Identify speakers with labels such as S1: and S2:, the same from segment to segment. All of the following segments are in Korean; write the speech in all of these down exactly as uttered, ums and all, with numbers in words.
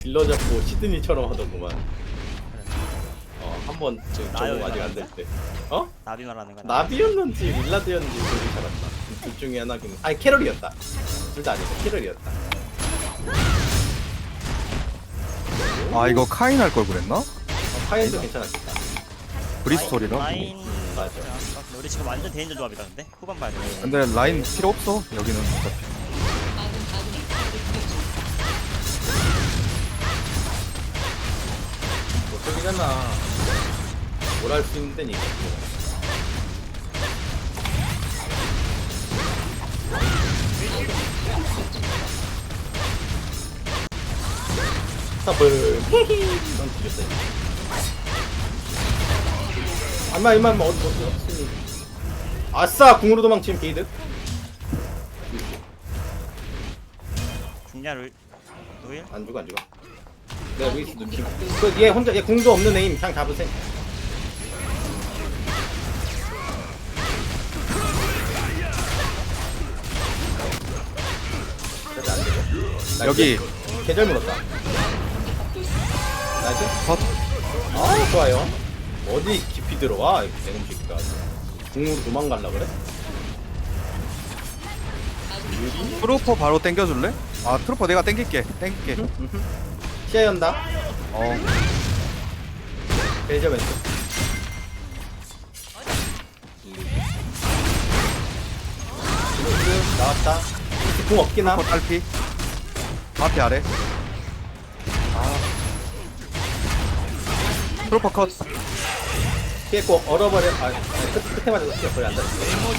S1: 딜러 잡고 시드니처럼 하더구만. 어, 한번 적응 아직 안 될 때. 어?
S2: 나비 말하는 거야.
S1: 나비였는지 윌라드였는지 둘이 잡았다. 둘 중에 하나긴. 아니 캐럴이었다. 둘 다 아니고 캐럴이었다.
S3: 아 이거 카인 할 걸 그랬나?
S1: 어, 파이도 괜찮았겠다.
S3: 브리스톨이라.
S2: 라인
S1: 맞아.
S2: 근데 우리 지금 완전 대인전 조합이다 근데 후반 봐야 돼.
S3: 근데 라인 필요 없어 여기는 어차피.
S1: 뭐 저기잖아. 뭘 할 수 있는 데니. 스탑을. 넌 뒤졌어. 아마 이만 뭐 어디 어디 없으니. 아싸 궁으로 도망친 게이드.
S2: 국냐를 노일?
S1: 안 죽어 안 죽어. 내가 루이스 눈치. 그얘 혼자 얘 궁도 없는 애임 그냥 잡으세요. 그래도 안 되고. 나이스.
S3: 여기
S1: 계절 물었다. 나이스.
S3: 컷.
S1: 아 좋아요. 어디 깊이 들어와 내놈 새끼가. 궁으로 도망갈라 그래?
S3: 트루퍼 바로 땡겨줄래? 아 트루퍼 내가 땡길게 땡길게.
S1: 시야 연다.
S3: 어
S1: 계절 왼쪽. 루이스 나왔다. 궁 없긴 함.
S3: 트루퍼 딸피. 앞에 아래. 아 트루퍼 컷.
S1: 피했고 얼어버려. 아 아니, 끝, 끝에 맞아서 피어 거의 안 닿았어.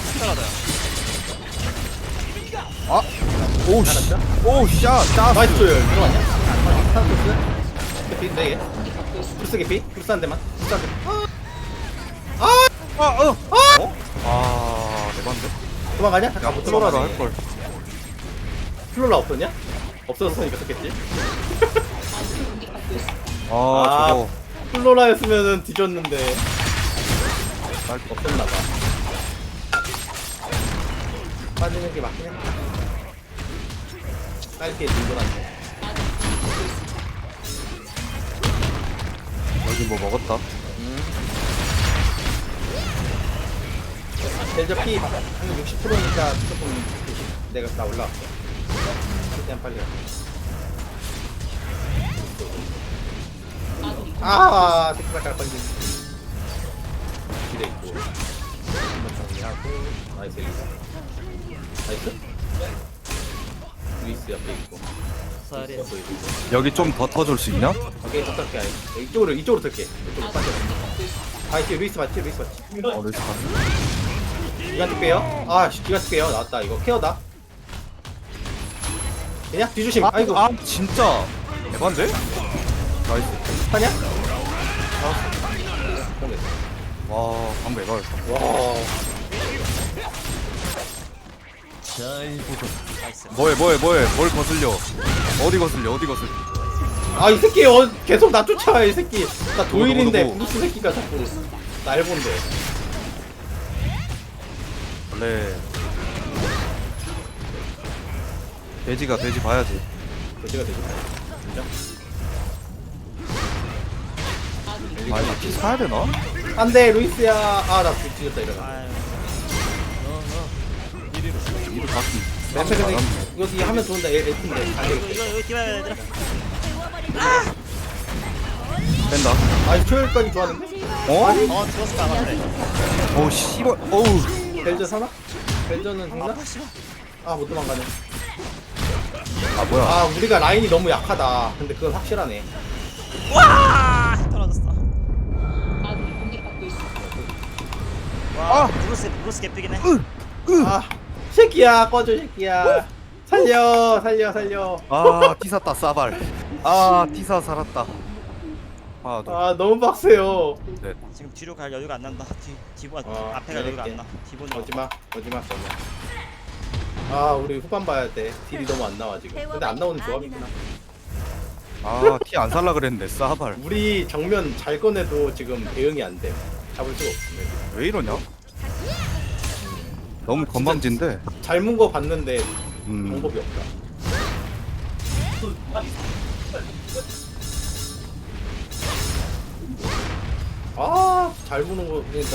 S3: 아 오씨.
S1: 알았죠?
S3: 오씨야 짜.
S1: 나이스 들어갔냐? 하나 플러스 개피 네 개. 플러스 개피 플러스 한 대만. 플러스 한 대.
S3: 아 어.
S1: 어?
S3: 아 대박인데.
S1: 도망가냐?
S3: 야
S1: 잠깐 못
S3: 플로라도
S1: 도망가네.
S3: 할 걸.
S1: 플로라 없었냐? 없어졌으니까 썼겠지.
S3: 아,
S1: 아.
S3: 저거
S1: 플로라였으면은 뒤졌는데
S3: 딸피.
S1: 없었나봐. 빠지는 게 맞긴 해. 짧게 들고 다니네.
S3: 여기 뭐 먹었다.
S1: 델저 피 한 육십 퍼센트니까 조금 구십 내가 다 올라왔어. 최대한 빨리 갈게. 아, 새끼발가락 번진. 기대 있고. 한번 정리하고. 나이스, 엘리사. 나이스? 루이스 옆에 있고.
S2: 쌀이.
S1: 옆에 있고.
S3: 여기 좀 더 터줄 수 있냐?
S1: 오케이, 더 탈게. 아니. 이쪽으로, 이쪽으로 탈게. 이쪽으로 빠져. 아, 이제 루이스 맞지? 루이스 맞지?
S3: 어 레스 갔어.
S1: 기간트 빼요. 아, 씨, 기간트 빼요. 나왔다. 이거 케어다. 그냥 뒤조심. 아이고.
S3: 아 진짜 대박인데? 나이스.
S1: 하냐?
S3: 와 방금 에바였어.
S1: 와.
S2: 나이스.
S3: 뭐해 뭐해 뭐해 뭘 거슬려? 어디 거슬려 어디 거슬려?
S1: 아, 이 새끼 어, 계속 나 쫓아와, 이 새끼. 나 도일인데,
S3: 누구, 누구?
S1: 브루스 새끼가 자꾸 날 본대.
S3: 원래 돼지가 돼지 봐야지.
S1: 도시가 되겠다. 인정?
S3: 아 이거 피 사야 되나?
S1: 안 돼, 루이스야. 아, 나 뒤졌다, 이러면.
S2: 아유.
S3: 이거 바퀴.
S1: 맨날 근데 여기 하면 좋은데, 애, 애팀인데. 안
S2: 이거
S1: 되겠다.
S2: 이거 이거 뛰어야 얘들아.
S3: 뺀다.
S1: 아, 이 초열까지 좋았는데?
S3: 어?
S2: 어 죽었을까 아마 그래.
S3: 오 씨발. 어우.
S1: 벨저 사나? 벨저는 죽나?
S2: 아파 씨발.
S1: 아, 못 도망가네.
S3: 아 뭐야?
S1: 아, 우리가 라인이 너무 약하다. 근데 그건 확실하네.
S2: 와 떨어졌어. 와
S3: 아!
S2: 브루스 브루스 개피긴 해.
S1: 아, 새끼야, 꺼져, 새끼야. 살려, 살려, 살려.
S3: 아 티사다 싸발. 아 티사 살았다. 하나 둘
S1: 아, 너무 빡세요.
S3: 넷.
S2: 지금 뒤로 갈 여유가 안 난다. 뒤 뒤보가
S1: 어,
S2: 앞에 갈 여유가
S1: 이렇게.
S2: 안 나. 뒤보는
S1: 오지마, 오지마, 오지마. 아, 우리 후반 봐야 돼. 딜이 너무 안 나와, 지금. 근데 안 나오는 조합이구나.
S3: 아티 안 살라 그랬는데 싸발.
S1: 우리 정면 잘 꺼내도 지금 대응이 안 돼. 잡을 수가 없어.
S3: 왜 이러냐? 너무 건방진데.
S1: 잘 문 거 봤는데
S3: 음.
S1: 방법이 없다. 아잘 보는 거 그러니까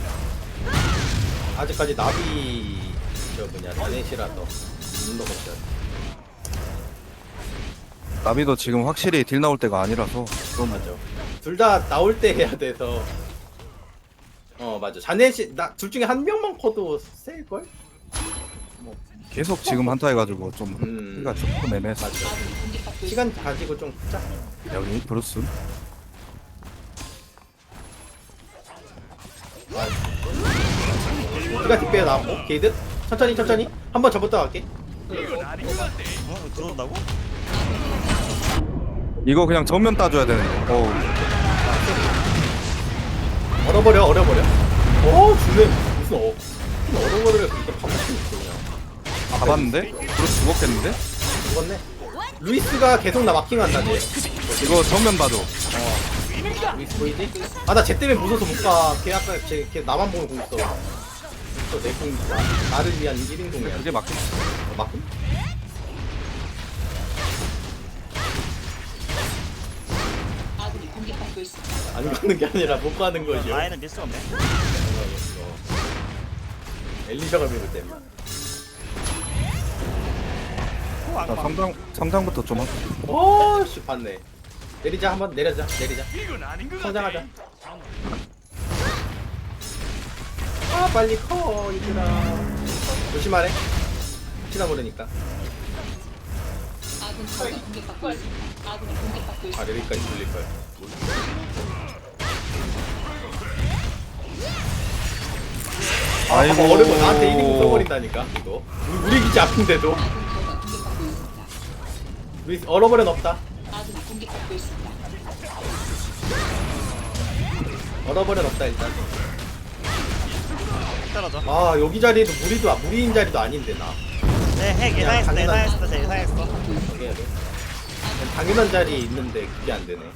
S1: 아직까지 나비 저 뭐냐 자넷이라서 눈도 없죠.
S3: 나비도 지금 확실히 딜 나올 때가 아니라서 좀
S1: 맞아. 둘 다 나올 때 해야 돼서. 어 맞아. 자넷이 나 둘 중에 한 명만 커도 셀 걸?
S3: 계속 지금 한타 해가지고 좀
S1: 음.
S3: 힐가 조금 애매했어.
S1: 맞아. 시간 가지고 좀 짜.
S3: 여기 브루스.
S1: 우리가 뒷배에 나왔고 게이드 천천히 천천히 한 번 접었다 갈게.
S2: 어? 들어온다고?
S3: 이거 그냥 정면 따줘야 되는데. 어우.
S1: 얼어버려 얼어버려. 어 주네 무슨 어 무슨 얼어버려 그러니까 밥 먹고 있어 그냥.
S3: 잡았는데? 브루스 죽었겠는데?
S1: 죽었네. 루이스가 계속 나 마킹한다 쟤.
S3: 이거 정면 봐줘.
S1: 루이스 보이지? 아 나 쟤 때문에 무서워서 못 가. 걔 아까 쟤, 걔 나만 보고 있어. 저내 공, 나, 나를 위한 일 인공이야.
S3: 그게 맞겠.
S1: 어, 맞군? 안 가는 게 아니라 못 가는 거죠.
S2: 라인은 밀 수가 없네.
S1: 엘리셔가 밀을 때문에.
S2: 오,
S3: 자,
S2: 악마.
S3: 성장 성장부터 좀 하자.
S1: 어씨 봤네. 내리자 한번 내려자 내리자. 성장하자. 아 빨리 커 얘들아. 조심하래. 혹시나 모르니까. 아 여기까지 돌릴 걸.
S3: 아이고.
S1: 아, 어려워 나한테 일 인공 써버린다니까 이거. 우리, 우리 기지 아픈데도. 우리 얼어버려 없다. 얼어버려 없다 일단.
S2: 떨어져.
S1: 아 여기 자리도 무리도 아- 무리인 자리도 아닌데 나.
S2: 네, 핵
S1: 그냥
S2: 예상했어,
S1: 당연한-
S2: 예상했어, 제 예상했어.
S1: 어떻게 해야 돼? 그냥 당연한 자리에 있는데 그게 안 되네.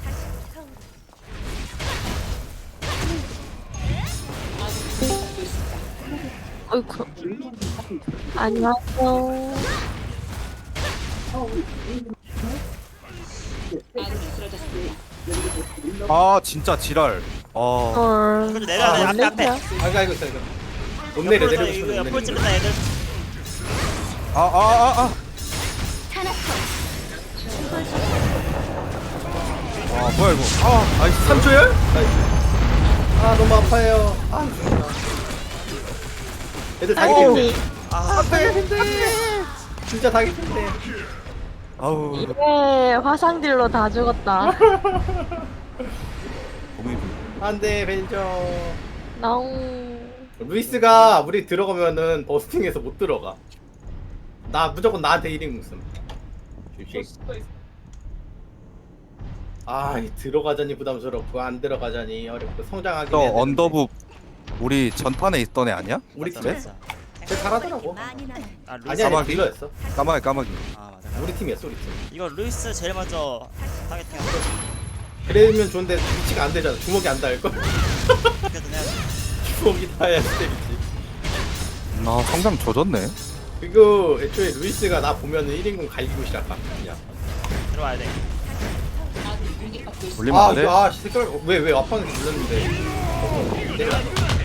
S4: 어이구. 안녕하세요.
S3: 아 진짜 지랄. 아
S4: 헐.
S2: 그래도 내려야 돼,
S1: 아,
S2: 앞에, 앞에.
S1: 아이고 아이고 있어 이거. 못 내려
S2: 옆으로
S1: 내리고
S2: 이거
S1: 싶은데 못
S2: 옆으로
S1: 내리는
S2: 찌른다,
S1: 거야.
S2: 애들.
S3: 아 아 아 아. 아 뭐야 이거? 아 나이스.
S1: 삼 초열? 아 너무 아파요. 아 죽는다. 애들 다
S4: 아니,
S1: 개핀데.
S2: 아,
S1: 진짜 다 개핀데.
S3: 아우.
S4: 이게 화상딜로 다 죽었다.
S3: 몸이
S1: 안돼 벤저.
S4: 나옹.
S1: 루이스가 우리 들어가면은 버스팅해서 못 들어가. 나 무조건 나한테 일 인 무슨. 아, 이 들어가자니 부담스럽고 안 들어가자니 어렵고 성장하기.
S3: 너 언더북 우리 전판에 있던 애 아니야?
S1: 우리
S2: 맞아,
S1: 팀에?
S2: 맞아.
S1: 쟤 잘하더라고.
S2: 아, 루이스.
S1: 아니야, 아니,
S3: 까마귀?
S1: 딜러였어.
S3: 까마귀 까마귀.
S2: 아, 맞아.
S1: 우리 팀이었어, 우리 팀.
S2: 이거 루이스 제일 먼저 타겟팅 하고
S1: 그러면 좋은데 위치가 안 되잖아. 주먹이 안 닿을 걸.
S2: 그래도 해야지.
S1: 주먹이 닿아야 때리지.
S3: 아 성장 조졌네.
S1: 그리고 애초에 루이스가 나 보면은 일 인공 갈기고 시작함. 그냥.
S2: 들어와야 돼.
S3: 올리면
S1: 아,
S3: 안 돼?
S1: 이거, 아, 색깔 왜왜 앞방에서 눌렀는데. 어, 내려.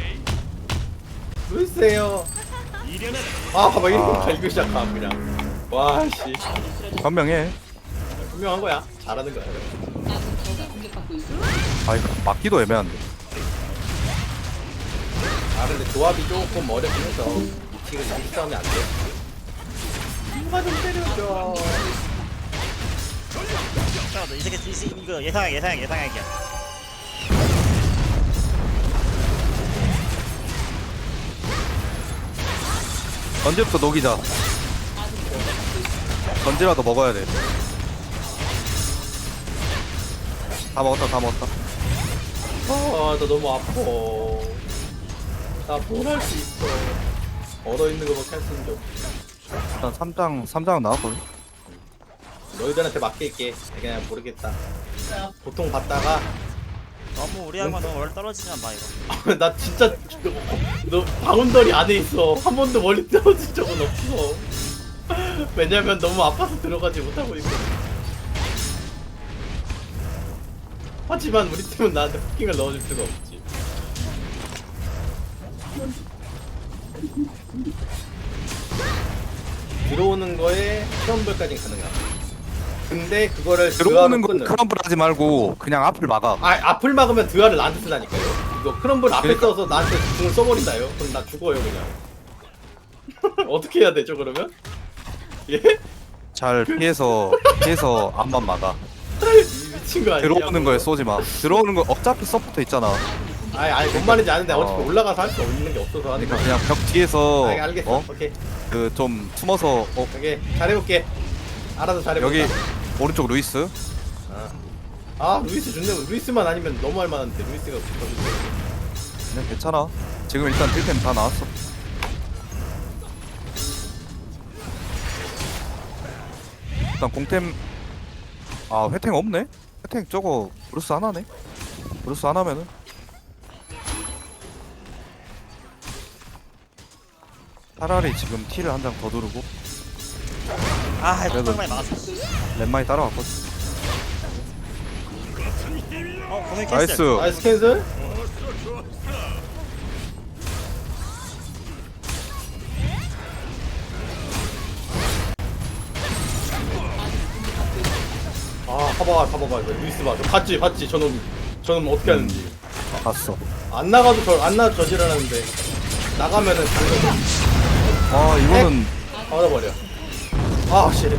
S1: 루이스예요. 아, 봐봐 일 인공
S3: 아.
S1: 갈기고 시작함 그냥. 와, 씨.
S3: 현명해.
S1: 분명한 거야. 잘하는 거야.
S3: 아 이거 막기도 애매한데.
S1: 아, 근데 조합이 조금 어렵긴 해서 지금 이 싸움이 안 돼. 누가 좀 때려줘.
S2: 잠깐만, 이 새끼, 이 새끼, 이거 예상해, 예상해, 예상해.
S3: 전지부터 녹이자. 전지라도 먹어야 돼. 다 먹었다 다 먹었다.
S1: 아, 나 너무 아파. 나 뭘 할 수 있어. 얼어 있는 거밖에 할 수 있는 게 없어.
S3: 일단 삼 장 삼 장은 나왔거든.
S1: 너희들한테 맡길게. 그냥 모르겠다. 보통 봤다가
S2: 너무 우리하고 너무 멀리 떨어지지만 마, 이거.
S1: 나 진짜 너 바운더리 안에 있어. 한 번도 멀리 떨어진 적은 없어. 왜냐면 너무 아파서 들어가지 못하고 있어. 하지만 우리 팀은 나한테 포킹을 넣어줄 수가 없지. 들어오는 거에 크럼블까지는 가능하다. 근데 그거를
S3: 들어오는 거
S1: 끊는.
S3: 크럼블 하지 말고 그냥 앞을 막아.
S1: 아 앞을 막으면 드아를 나한테 쓰다니까요. 이거 크럼블 앞에
S3: 그러니까.
S1: 써서 나한테 궁을 써버린다요. 그럼 나 죽어요 그냥. 어떻게 해야 되죠 그러면? 예?
S3: 잘 피해서 피해서 앞만 막아.
S1: 이 미친 거 아니야?
S3: 들어오는 거에 쏘지 마. 들어오는 거 어차피 서포터 있잖아.
S1: 아니 아니 뭔 말인지 아는데
S3: 어.
S1: 어차피 올라가서 할 수 없는 게 없어서 하는
S3: 그러니까
S1: 거야.
S3: 그냥 벽 뒤에서
S1: 아, 알겠어.
S3: 어?
S1: 오케이.
S3: 그 좀 숨어서 어
S1: 오케이 잘해볼게. 알아서 잘해볼게.
S3: 여기 오른쪽 루이스.
S1: 아. 아 루이스 좋네. 루이스만 아니면 너무 할만한데 루이스가 붙어주세요.
S3: 그냥 괜찮아. 지금 일단 딜템 다 나왔어. 일단 공템 아 회탱 없네? 회탱 저거 브루스 하나네? 브루스 하나면은 차라리 지금 T를 한 장 더 두르고
S2: 아 이거
S3: 그래도-
S2: 턱방이 막았어.
S3: 렛마이 따라왔거든.
S2: 어 고민 캔슬.
S3: 나이스.
S1: 나이스 캔슬. 아 봐봐 봐봐봐 이거 루이스 봐. 저 봤지 봤지 저놈 저놈 어떻게 하는지.
S3: 봤어.
S1: 안 나가도 저안 나도 저지랄하는데 나가면은 당근
S3: 아 이거는
S1: 얼어버려. 아 씨.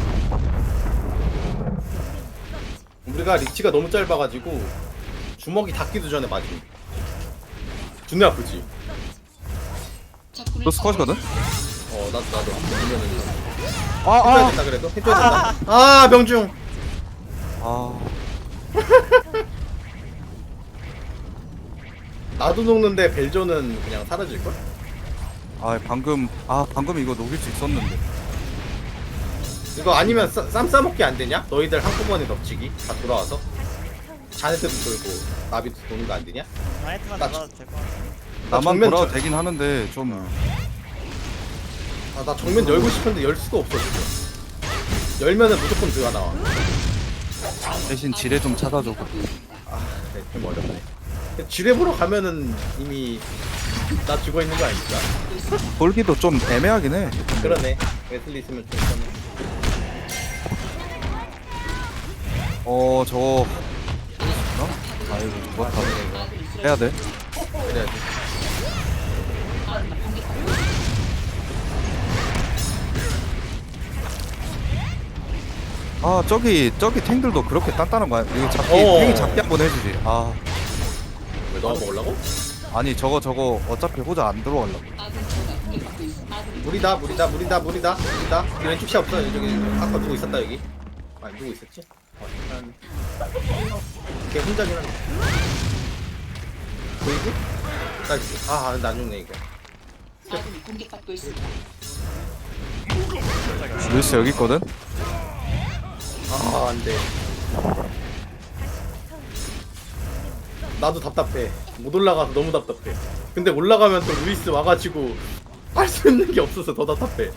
S1: 우리가 리치가 너무 짧아가지고 주먹이 닿기도 전에 맞음. 존나 아프지.
S3: 브루스 컷이거든?
S1: 어 나도 나도 보면은 해줘야
S3: 아아
S1: 된다 그래도 해줘야 된다. 아 명중.
S3: 아,
S1: 나도 녹는데 벨조는 그냥 사라질 걸?
S3: 아 방금 아 방금 이거 녹일 수 있었는데.
S1: 이거 아니면 쌈, 쌈 싸먹기 안 되냐? 너희들 한꺼번에 덮치기 다 돌아와서 자네트도 돌고 나비도 도는 거 안 되냐?
S2: 나이트만
S1: 나
S2: 나가도 될 것 같아.
S1: 나
S3: 나만
S1: 정면
S3: 돌아도
S1: 저-
S3: 되긴 하는데 좀
S1: 아, 나 정면 열고 싶은데 열 수가 없어 지금. 열면은 무조건 들어가 나와.
S3: 대신 지뢰 좀 찾아주고.
S1: 아, 네, 좀 어렵네. 지뢰 보러 가면은 이미 나 죽어 있는 거 아닐까?
S3: 돌기도 좀 애매하긴 해.
S1: 그러네. 웨슬리 있으면 좀 편해.
S3: 어 저거 어? 아이고 죽었다. 해야 돼.
S1: 그래야지.
S3: 아 저기 저기 탱들도 그렇게 단단한 거야. 이거 잡기
S1: 어.
S3: 탱이 잡기 한번 해주지. 아
S1: 왜 너가 먹으려고?
S3: 아니 저거 저거 어차피 호자 안 들어가려고.
S1: 물이다, 물이다, 물이다, 물이다, 물이다. 여기 왼쪽 시 없어. 여기 아까 누구 있었다 여기. 아 누구 있었지? 어, 일단 걔 혼자긴 한데. 보이지? 나이스. 아, 나 죽네 이거.
S5: 아군이 공격받고 있습니다.
S3: 루이스 여기 있거든.
S1: 아, 안 돼. 나도 답답해. 못 올라가서 너무 답답해. 근데 올라가면 또 루이스 와가지고 할 수 있는 게 없어서 더 답답해.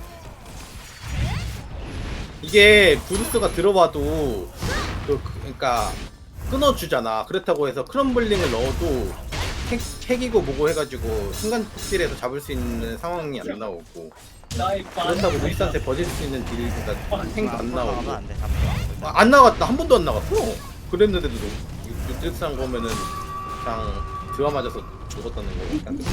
S1: 이게 브루스가 들어와도 그, 그러니까 끊어주잖아. 그렇다고 해서 크럼블링을 넣어도 핵, 핵이고 뭐고 해가지고 순간 폭딜에서 잡을 수 있는 상황이 안 나오고, 그렇다고 루이스한테 버질 수 있는 딜, 그러니까 핵도 안 나오고.
S2: 하면 안 돼. 잡고.
S1: 아, 안 나갔다. 한 번도 안 나갔어. 그랬는데도 유트스한 거면은 그냥 드와 맞아서 죽었다는 거. 그냥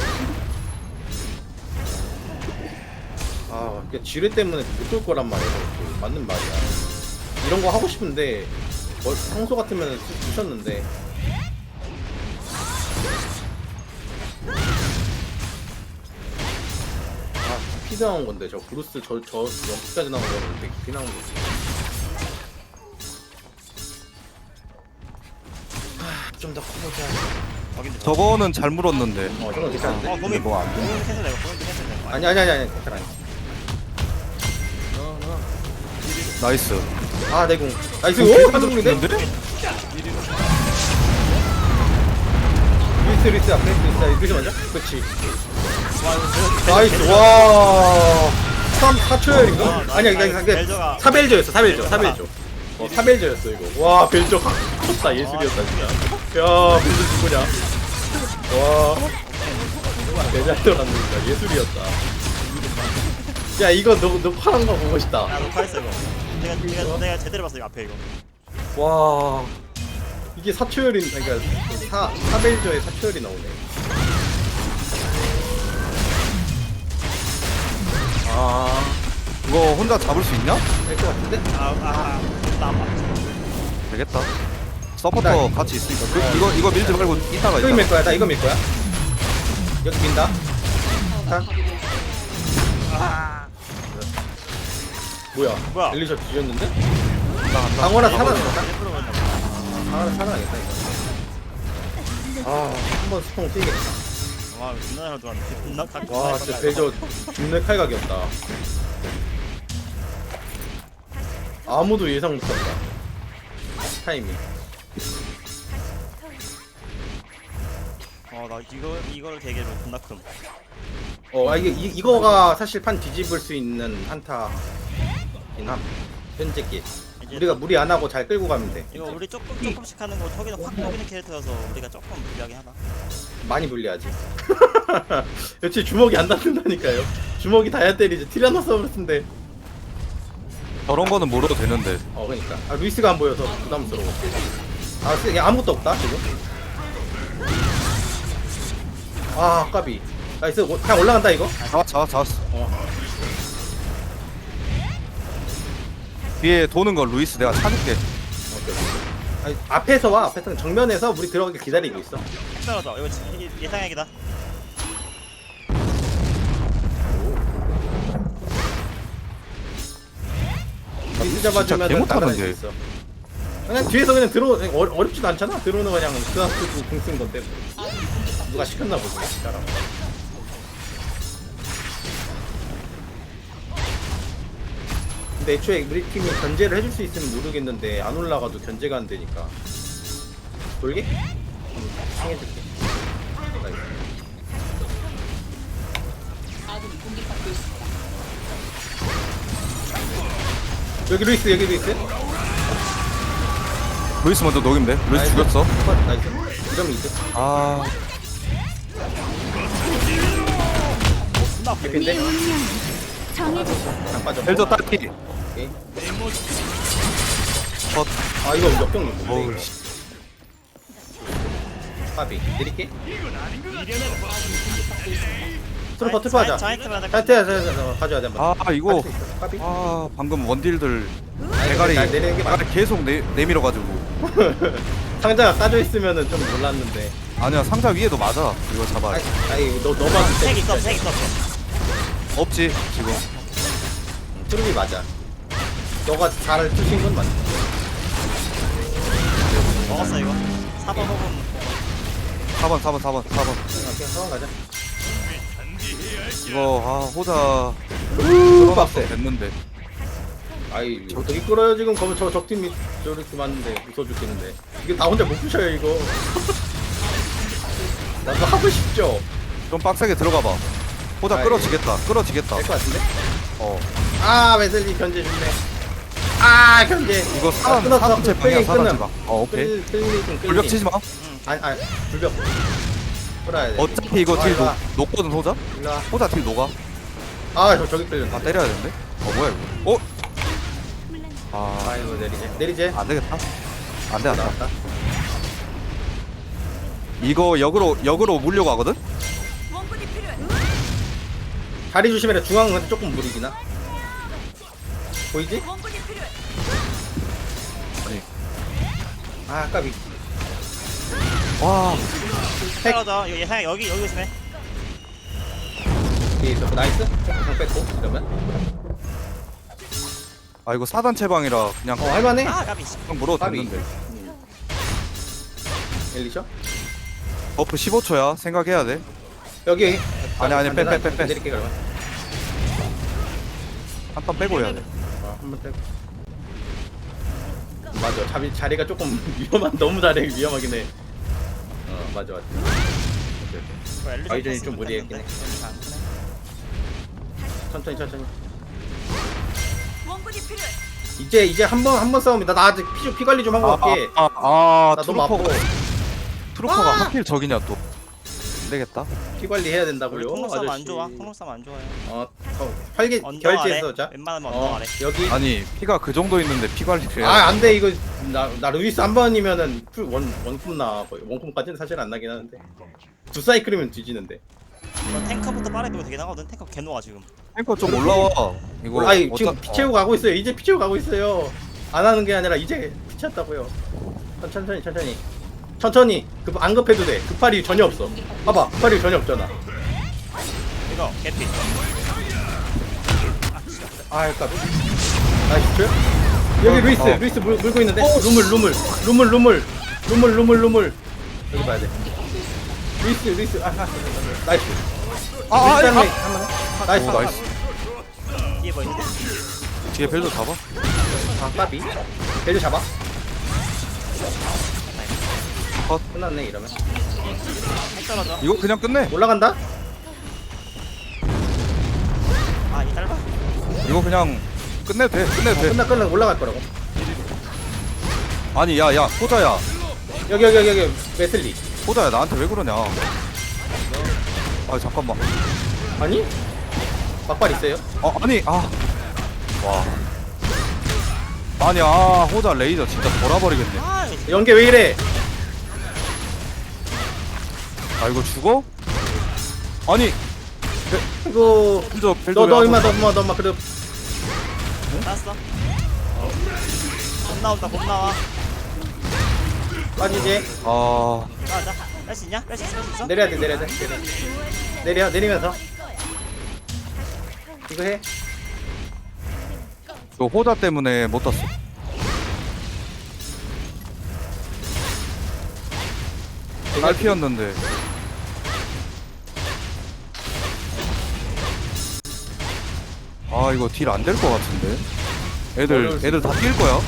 S1: 아, 그 지뢰 때문에 못 올 거란 말이야. 그 맞는 말이야. 이런 거 하고 싶은데 뭐, 평소 같으면 쓰셨는데. 아, 깊이 나온 건데 저 브루스 저 저 여기까지 나온 거는 되게 깊이 나온 거지. 좀 더 커보자.
S2: 여기
S3: 저거는 잘 물었는데.
S1: 어, 저건 괜찮은데.
S2: 어 고민
S3: 뭐안 돼.
S2: 고민 캔슬 내고 고민 캔슬 내고.
S1: 아니 아니 아니 아니 괜찮아. 어, 어.
S3: 나이스.
S1: 아 내공. 나이스.
S3: 오,
S1: 오 한동인데?
S3: 죽는데?
S1: 리스 리스 앞에 리스 리스 맞아? 그렇지. 나이스. 와. 삼 사 초열인가?
S2: 어,
S1: 아니야
S2: 나이스.
S1: 그냥
S2: 벨저가-
S1: 사벨조였어 사벨조 사벨조. 어, 타벨저였어 이거. 와 벨저 컸다 예술이었다 진짜. 야 벨저 누구냐? 와 대잘 돌았는다 예술이었다. 야 이거 너 녹화한 거 보고 싶다.
S2: 야 녹화했어 이거. 내가 내가 내가 제대로 봤어 이거 앞에 이거.
S1: 와 이게 사초열인 그러니까 사 사벨저의 사초열이 나오네. 아
S3: 이거 혼자 잡을 수 있냐?
S1: 될 것 같은데?
S2: 아아 나봐.
S3: 되겠다. 서포터
S1: 나-
S3: 같이 있으니까 그, 이거 이거 밀지 말고 이따가
S1: 이거
S3: 이따가.
S1: 밀 거야. 나 이거 밀 거야. 여기 민다. 자.
S2: 아
S1: 뭐야?
S2: 뭐야?
S1: 엘리셔 뒤졌는데?
S3: 간다, 간다.
S1: 강원아 살아났다.
S2: 일부러 그랬나 봐.
S1: 강원아 살아나겠다 이거. 아, 한번 스통 뛰겠다.
S2: 와 존나 잘 들어왔네. 존나 각.
S1: 와, 진짜 벨저 죽는 칼각이었다. 아무도 예상 못한다. 타이밍.
S2: 어나 이거 이걸 계기로 존나 큼.
S1: 어, 아 이게 이, 이거가 사실 판 뒤집을 수 있는 한타긴 함. 현재 게.
S2: 이제
S1: 우리가 무리 안 하고 잘 끌고 가면 돼.
S2: 이거 우리 조금 조금씩 하는 거 저기는 확 녹이는 캐릭터여서 우리가 조금 불리하게 하나.
S1: 많이 불리하지. 여치 주먹이 안 닿는다니까요. 주먹이 닿아야 때리지. 티라노사우루스인데.
S3: 저런 거는 모르도 되는데.
S1: 어, 그러니까. 아, 루이스가 안 보여서 부담스러워. 아, 쓰- 야, 아무것도 없다 지금. 아, 까비. 나이스. 오- 그냥 올라간다 이거.
S3: 잡았 잡았 잡았어.
S1: 어.
S3: 뒤에 도는 거 루이스 내가 찾을게.
S1: 오케이. 아니, 앞에서 와. 앞에서 정면에서 우리 들어가길 기다리고 있어.
S2: 떨어져. 이거 지- 이게 예상액이다.
S1: 루이스 잡아주면
S3: 개 못하는
S1: 수
S3: 게.
S1: 있어. 그냥 뒤에서 그냥 들어 어, 어렵지도 않잖아. 들어오는 거 그냥 그한테도 공쓴 건데. 누가 시켰나 보지. 사람. 근데 애초에 우리 팀이 견제를 해줄 수 있으면 모르겠는데 안 올라가도 견제가 안 되니까. 돌게? 음, 상해줄게. 나이스.
S5: 아군이 공격받고 있습니다.
S1: 여기 루이스 여기 루이스.
S3: 루이스 먼저 녹이면 돼. 루이스
S1: 나이스.
S3: 죽였어.
S1: 컷, 나이스. 이러면 이득.
S3: 아
S2: 존나 아프게.
S1: 개핀데? 안 빠져.
S3: 벨저 딸피.
S1: 오케이.
S3: 컷.
S1: 아 이거 역경
S3: 어우,
S1: 누군데? 파비 드릴게. 트루퍼 트루퍼 하자.
S2: 자이트만
S1: 자, 자, 자, 자, 가져야 돼 한번.
S3: 아 이거.
S1: 파비.
S3: 아 방금 원딜들
S1: 아니,
S3: 대가리
S1: 날 내리는 게 맞아.
S3: 대가리 계속 내, 내밀어가지고.
S1: 상자가 까져 있으면은 좀 몰랐는데.
S3: 아니야 상자 위에도 맞아. 이거 잡아.
S1: 아이, 아이 너 너만
S2: 색 있어, 색 있어.
S3: 없지 지금.
S1: 트루비 맞아. 너가 잘 투신 건 맞아.
S2: 먹었어 이거. 사 번 혹은
S3: 사 번 사 번 사 번 사 번.
S1: 그냥 상황 가자.
S3: 이거 아 호자
S1: 우 빡세.
S3: 됐는데.
S1: 아이 어떻게 끌어요 지금 거기 저 적팀이 저렇게 많은데 웃어 죽겠는데. 이게 나 혼자 못 부셔요 이거. 나도 하고 싶죠.
S3: 좀 빡세게 들어가 봐. 호자
S1: 아이.
S3: 끌어지겠다. 끌어지겠다.
S1: 될 것 같은데?
S3: 어.
S1: 아 웨슬리 견제 좋네. 아 견제.
S3: 이거 사람
S1: 끊었어.
S3: 사람 제 방향
S1: 끌기
S3: 사람
S1: 끊음.
S3: 제 방. 어 오케이.
S1: 끌 끌리 좀 끌리.
S3: 불벽 치지 마.
S1: 아니 아니 불벽. 끌어야 돼.
S3: 어차피 이거
S1: 아,
S3: 딜
S1: 일로
S3: 녹,
S1: 와.
S3: 녹거든 호자.
S1: 일로 와.
S3: 호자 딜 녹아.
S1: 아저 저기 끌렸네.
S3: 아 때려야 되는데. 어 뭐야 이거. 어? 아
S1: 아이고 내리제. 내리제.
S3: 안되겠다. 안돼 안돼.
S1: 나왔다.
S3: 이거 역으로 역으로 물려고 하거든.
S1: 다리 조심해라. 중앙은 근데 조금 무리기나. 보이지?
S3: 아니.
S1: 아 까비.
S3: 와.
S2: 떨어져. 이거 예상액 여기 여기 있으네.
S1: 뒤에 있어. 나이스. 조금 뺐고 이러면.
S3: 아 이거 사단 체방이라 그냥
S1: 어 할만해.
S2: 아 까비.
S3: 그냥 물어도
S1: 까비.
S3: 됐는데.
S1: 엘리셔?
S3: 버프 십오 초야. 생각해야 돼.
S1: 여기.
S3: 아니, 아니, 빼, 빼, 빼, 빼.
S1: 내릴게 그러면.
S3: 한 턴 빼고 해야 돼.
S1: 어, 한번 빼고. 맞아. 자리 자리가 조금 위험한. 너무 자리 위험하긴 해. 어 맞아 맞아. 오케이, 오케이.
S2: 이거 엘리전
S1: 아이전이 좀
S2: 떴으면
S1: 무리했긴
S2: 됐는데.
S1: 해.
S2: 엘리전 안 크네.
S1: 천천히 천천히. 이제 이제 한 번 한 번 싸움이다. 나 아직 피, 피 관리 좀 하고 갈게.
S3: 아, 아, 아
S1: 나 너무 아파.
S3: 트루퍼가 트루퍼가
S1: 아!
S3: 하필 저기냐 또. 안 되겠다.
S1: 피 관리 해야
S2: 우리
S1: 된다고요.
S2: 통로 싸움 안
S1: 아저씨.
S2: 좋아. 통로 싸움 안 좋아요.
S1: 어, 더 활기
S2: 언덕 아래.
S1: 결제해서 자.
S2: 웬만하면 언덕
S1: 어,
S2: 아래.
S1: 여기.
S3: 아니 피가 그 정도 있는데 피 관리를 해야
S1: 아, 안 돼. 이거 나, 나 루이스 한 번이면은 풀 원, 원콤 나. 거의 원콤까지는 사실 안 나긴 하는데. 두 사이클이면 뒤지는데.
S2: 이거 탱커부터 빠르게 되고 되긴 하거든. 탱커 개노아 지금.
S3: 탱커 좀 올라와. 이거
S1: 아니,
S3: 어차-
S1: 지금 피 채우고 가고 있어요. 이제 피 채우고 가고 있어요. 안 하는 게 아니라 이제 피 찼다고요. 천천히, 천천히. 천천히. 급, 안 급해도 돼. 급할이 전혀 없어. 봐봐. 급할이 전혀 없잖아.
S2: 이거 개피.
S1: 아, 까비. 나이스. 여기 루이스,
S3: 어.
S1: 루이스 물, 물고 있는데. 루물, 루물, 루물, 루물, 루물, 루물, 루물. 여기 봐야 돼. 루이스, 루이스. 아, 아, 나이스.
S3: 아, 아,
S1: 루이스
S3: 아,
S1: 한명 한번 해. 나이스.
S3: 오, 나이스.
S2: 뒤에 뭐 있는데?
S3: 뒤에 벨도 잡아.
S1: 아, 까비. 벨트 잡아.
S3: 컷.
S1: 끝났네 이러면.
S2: 핵 떨어져.
S3: 이거 그냥 끝내.
S1: 올라간다.
S2: 아, 이 짧아?
S3: 이거 그냥 끝내도 돼. 끝내도 돼.
S1: 끝나 끝나 올라갈 거라고.
S3: 아니 야야 호자야.
S1: 여기 여기 여기 여기 웨슬리.
S3: 호자야 나한테 왜 그러냐. 아 잠깐만.
S1: 아니? 막발 있어요?
S3: 어 아니 아. 와. 아니 아 호자 레이저 진짜 돌아버리겠네.
S2: 아, 이거
S1: 연계 왜 이래?
S3: 아 이거 죽어? 아니
S1: 이거
S3: 벨저 벨저
S1: 너너 임마 너 임마 너 임마 그래.
S2: 땄어. 곧 나온다, 곧 나와.
S1: 빠지지.
S3: 아
S2: 가자. 뺄 수 있냐? 뺄 수 있어? 뺄수 있어?
S1: 내려야 돼 내려야 돼 내려. 내려 내리면서. 이거 해.
S3: 이거 호자 때문에 못 땄어. 딸피였는데. 아 이거 딜 안 될 것 같은데. 애들 애들 다 뛸 거야.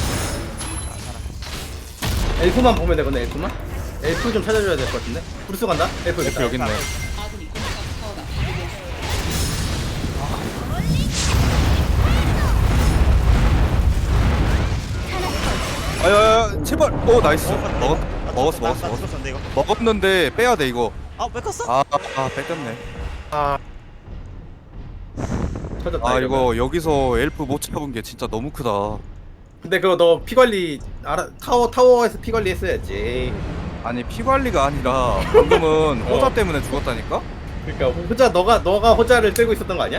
S1: 엘프만 보면 되거든 엘프만. 엘프 좀 찾아줘야 될 것 같은데. 브루스 간다. 엘프
S3: F
S1: 있다.
S3: 여기 있네.
S5: 아군이 공격 타워가 파괴되었습니다.
S3: 아야야 제발. 오 나이스.
S2: 먹었는데,
S3: 먹었
S2: 이거? 나
S3: 먹었어
S2: 죽었다.
S3: 먹었어
S2: 나
S3: 먹었어.
S2: 죽었는데, 이거.
S3: 먹었는데 빼야 돼 이거.
S2: 아, 왜 컸어?
S3: 아, 아 뺏겼네.
S1: 아. 터졌다.
S3: 아
S1: 이러면.
S3: 이거 여기서 엘프 못 잡은 게 진짜 너무 크다.
S1: 근데 그거 너 피 관리 알아 타워 타워에서 피 관리 했어야지.
S3: 아니 피 관리가 아니라 방금은
S1: 어.
S3: 호자 때문에 죽었다니까?
S1: 그러니까 호자 너가 너가 호자를 들고 있었던 거 아니야?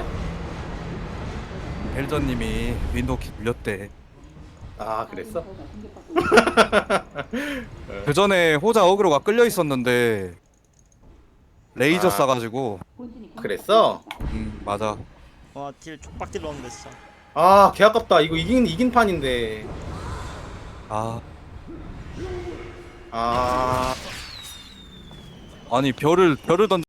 S3: 벨저님이 윈도우 키 눌렸대.
S1: 아 그랬어?
S3: 그 전에 호자 어그로가 끌려 있었는데 레이저
S1: 아.
S3: 쏴가지고.
S1: 그랬어?
S3: 음 맞아.
S2: 와, 딜 족박딜 넣었는데, 진짜.
S1: 아 개 아깝다. 이거 이긴 이긴 판인데.
S3: 아
S1: 아
S3: 아니 별을 별을 던.